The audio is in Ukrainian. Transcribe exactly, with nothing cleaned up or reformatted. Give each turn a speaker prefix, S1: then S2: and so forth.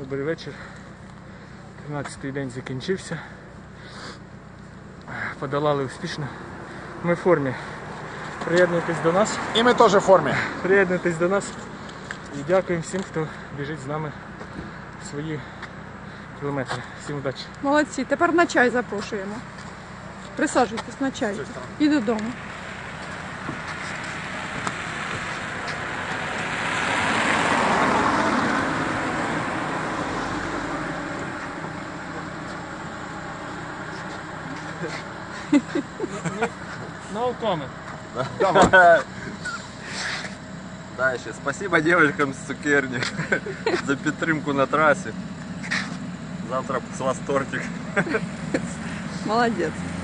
S1: Добрий вечір. тринадцятий день закінчився. Подолали успішно. Ми в формі. Приєднуйтесь до нас.
S2: І ми теж в формі.
S1: Приєднуйтесь до нас. І дякуємо всім, хто біжить з нами свої кілометри. Всім удачі.
S3: Молодці. Тепер на чай запрошуємо. Присаджуйтесь на чай. І додому.
S1: No comment.
S4: Да, ще спасибо девочкам з цукерні за підтримку на трасі. Завтра з вас тортик.
S3: Молодець.